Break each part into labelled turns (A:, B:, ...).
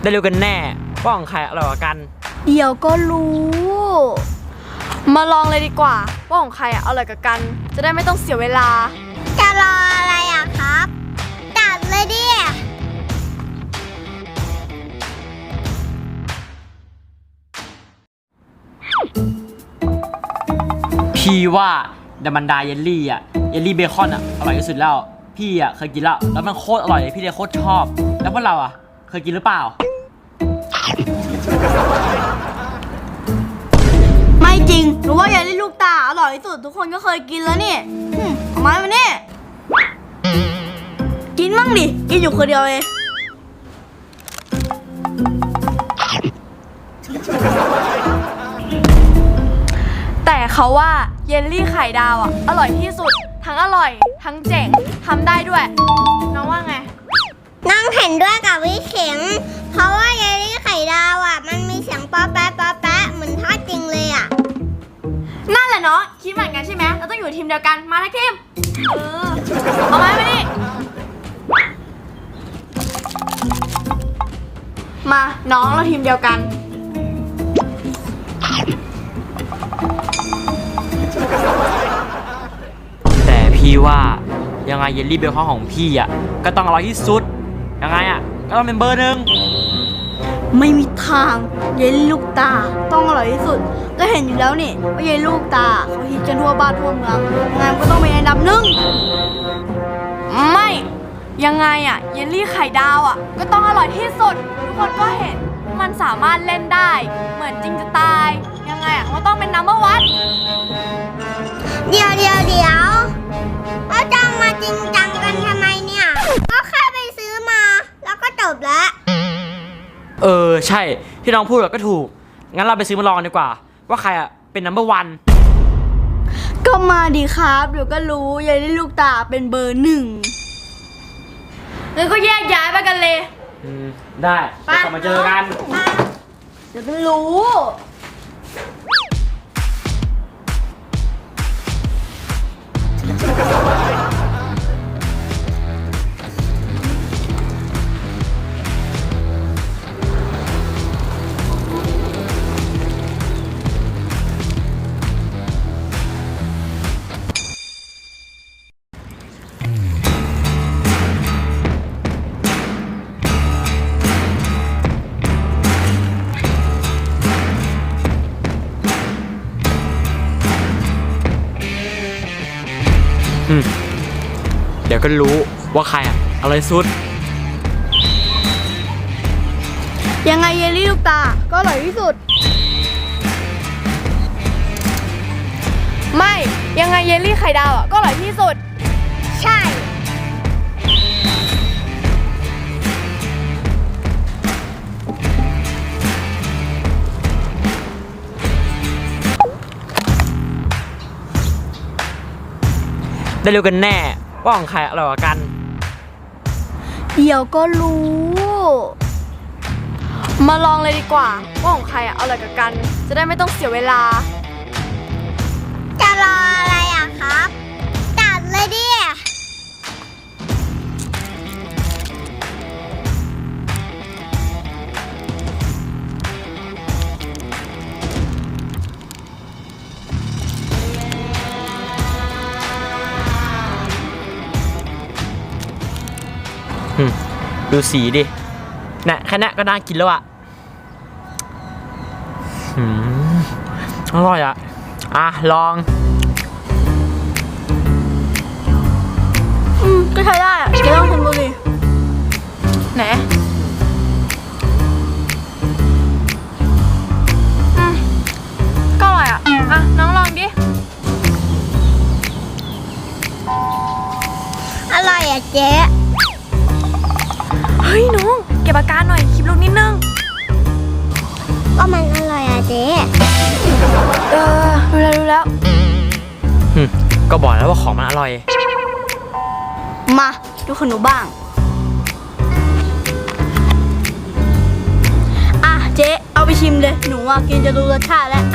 A: ได้รู้กันแน่ว่าของใครอร่อยกว่ากัน
B: เดี๋ยวก็รู้ มาลองเลยดีกว่าว่าของใครอร่อยกว่ากันจะได้ไม่ต้องเสียเวลา
C: จะรออะไรอะครับจัดเลยดิ
A: พี่ว่าดัมมันดาเยลลี่เยลลี่เบคอนอร่อยที่สุดแล้วพี่เคยกินแล้วมันโคตรอร่อยเลยพี่เลยโคตรชอบแล้วพวกเราเคยกินหรือเปล่า
B: ไม่จริงหนูว่าเยลลี่ลูกตาอร่อยที่สุดทุกคนก็เคยกินแล้วนี่เอาไม้มานี่กินมั่งดิกินอยู่คนเดียวเองแต่เขาว่าเยลลี่ไข่ดาวอร่อยที่สุดทั้งอร่อยทั้งเจ๋งทำได้ด้วยน้องว่าไง
C: น้องเห็นด้วยกับวิเข็งเพราะว่าเยลลี่ไข่ดาวมันมีเสียงป๊อปแป๊ะป๊อปแป๊ะเหมือนทอดจริงเลย
B: นั่นแหละเนาะคิดเหมือนกันใช่ไหมเราต้องอยู่ทีมเดียวกันมาทั้งทีมเอาไม้มานี่มาน้องเราทีมเดียวกัน
A: แต่พี่ว่ายังไงเยลลี่เบคอนของพี่ก็ต้องอร่อยที่สุดยังไงก็ต้องเป็นเบอร์หนึ่ง
B: ไม่มีทางเยลลี่ลูกตาต้องอร่อยที่สุดก็เห็นอยู่แล้วนี่ว่าเยลลี่ลูกตาเขาฮิตกันทั่วบ้านทั่วเมืองงานก็ต้องเป็นอันดับหนึ่งไม่ยังไงเยลลี่ไข่ดาวก็ต้องอร่อยที่สุดทุกคนก็เห็นมันสามารถเล่นได้เหมือนจริงจะตายยังไงก็ต้องเป็นนัมเบอร์วัน
C: เดี๋ยวเราจะมาจริงจังกันทำไมเนี่ยก็แค่ไปซื้อมาแล้วก็จบแล้ว
A: ใช่ที่น้องพูดก็ถูกงั้นเราไปซื้อมาลองดีกว่าว่าใครเป็นนัมเบอร์วัน
B: ก็มาดีครับเดี๋ยวก็รู้เยลลี่ลูกตาเป็นเบอร์หนึ่งงั้นก็แยกย้ายไปกันเลย
A: ได้เดี๋ยวกลับมาเจอกัน
B: เดี๋ยวก็รู้
A: เดี๋ยวก็รู้ว่าใครอร่อยสุด
B: ยังไงเยลลี่ลูกตาก็อร่อยที่สุดไม่ยังไงเยลลี่ไข่ดาวก็อร่อยที่สุด
C: ใช่
A: ได้รู้กันแน่ว่าของใครอร่อยกว่ากัน
B: เดี๋ยวก็รู้ มาลองเลยดีกว่าว่าของใครอร่อยกว่ากันจะได้ไม่ต้องเสียเวลา
C: จะรออะไรครับจัดเลยดิ
A: ดูสีดิน่ะแค่นี้ก็น่ากินแล้วอร่อยลอง
B: ก็ใช้ได้จะลองชิมดูดิไหนก็อร่อยน้องลองดิ
C: อร่อยเจ๊
B: เฮ้ยน้องเก็บอาการหน่อยคลิปลูกนิดนึง
C: ก็มันอร่อยเจ๊
B: รู้แล้ว
A: ก็บอกแล้วว่าของมันอร่อย
B: มาดูขนมบ้างเจ๊เอาไปชิมเลยหนูกินจะรู้รสชาติแล้ว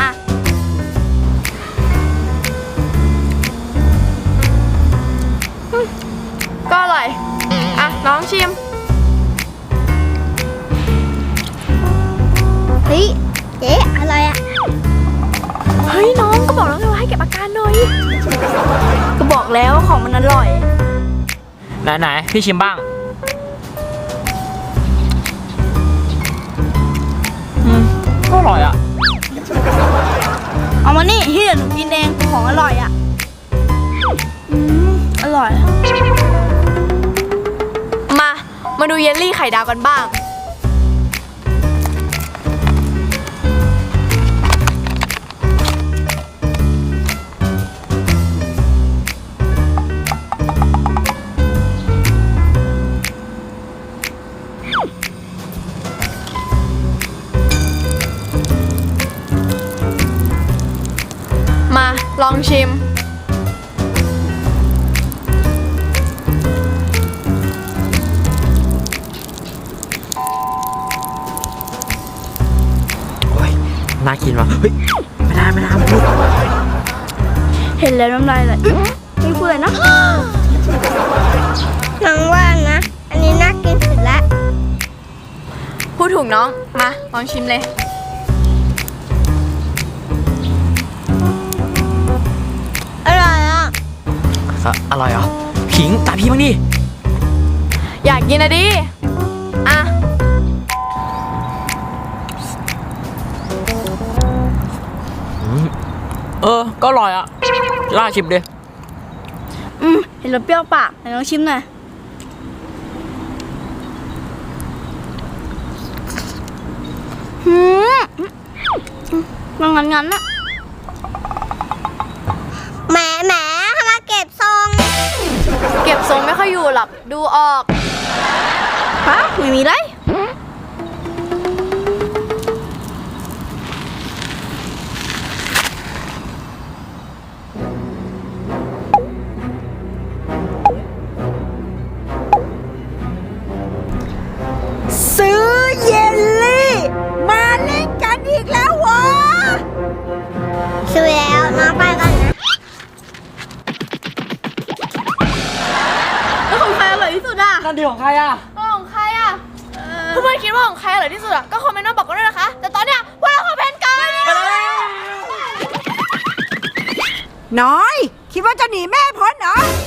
B: ก็อร่อยน้องชิม
D: ฮ้ยน้องก็บอกแล้วไงว่าให้เก็บอาการหน่อย
B: ก็บอกแล้วว่าของมันอร่อย
A: ไหนพี่ชิมบ้างก็อร่อยอ่ะ
B: เอามานี่ที่เดี๋ยวหนูกินเองของอร่อยอ่ะอร่อย
D: มาดูเยลลี่ไข่ดาวกันบ้าง มาลองชิม
A: โอ้ยน่ากินว่ะเฮ้ยไม่ได้ลูก
B: เห็นแล้วน้ำลายไหลนี่พูดอะไรนะ
C: น้องว่านะ อันนี้น่ากินสุดละ
D: พูดถูกน้อง มาลองชิมเลย
C: อร่อยอ่ะ
A: อร่อยเหรอผิงตาพี่บ้างดิ
D: อยากกินอะดิ อ่ะ
A: ก็อร่อยอ่ะล่าชิมดิ
B: เห็นแล้วเปรี้ยวปากไหนลองชิมหน่อยมันงั้นๆอะ
C: แหมทำไมเก็บทรง
D: เก็บทรงไม่ค่อยอยู่หรอก ดูออก
B: ฮะไม่มีไร
E: ซื้อเยลลี่มาเล่นกันอีกแล้ววะ
C: ซื้อแล้วน้องไปกันนะ
B: แล้วของใครอร่อยที่สุดอ่ะ
A: นั่นดีของใครอ่ะ
D: ของใครอ่ะเพื่อนๆคิดว่าของใครอร่อยที่สุดอ่ะ ก็คอมเมนต์มาบอกกันด้วยนะคะ แต่ตอนเนี้ยพวกเราขอเพนกัน
E: น้อย คิดว่าจะหนีแม่พ้นเหรอ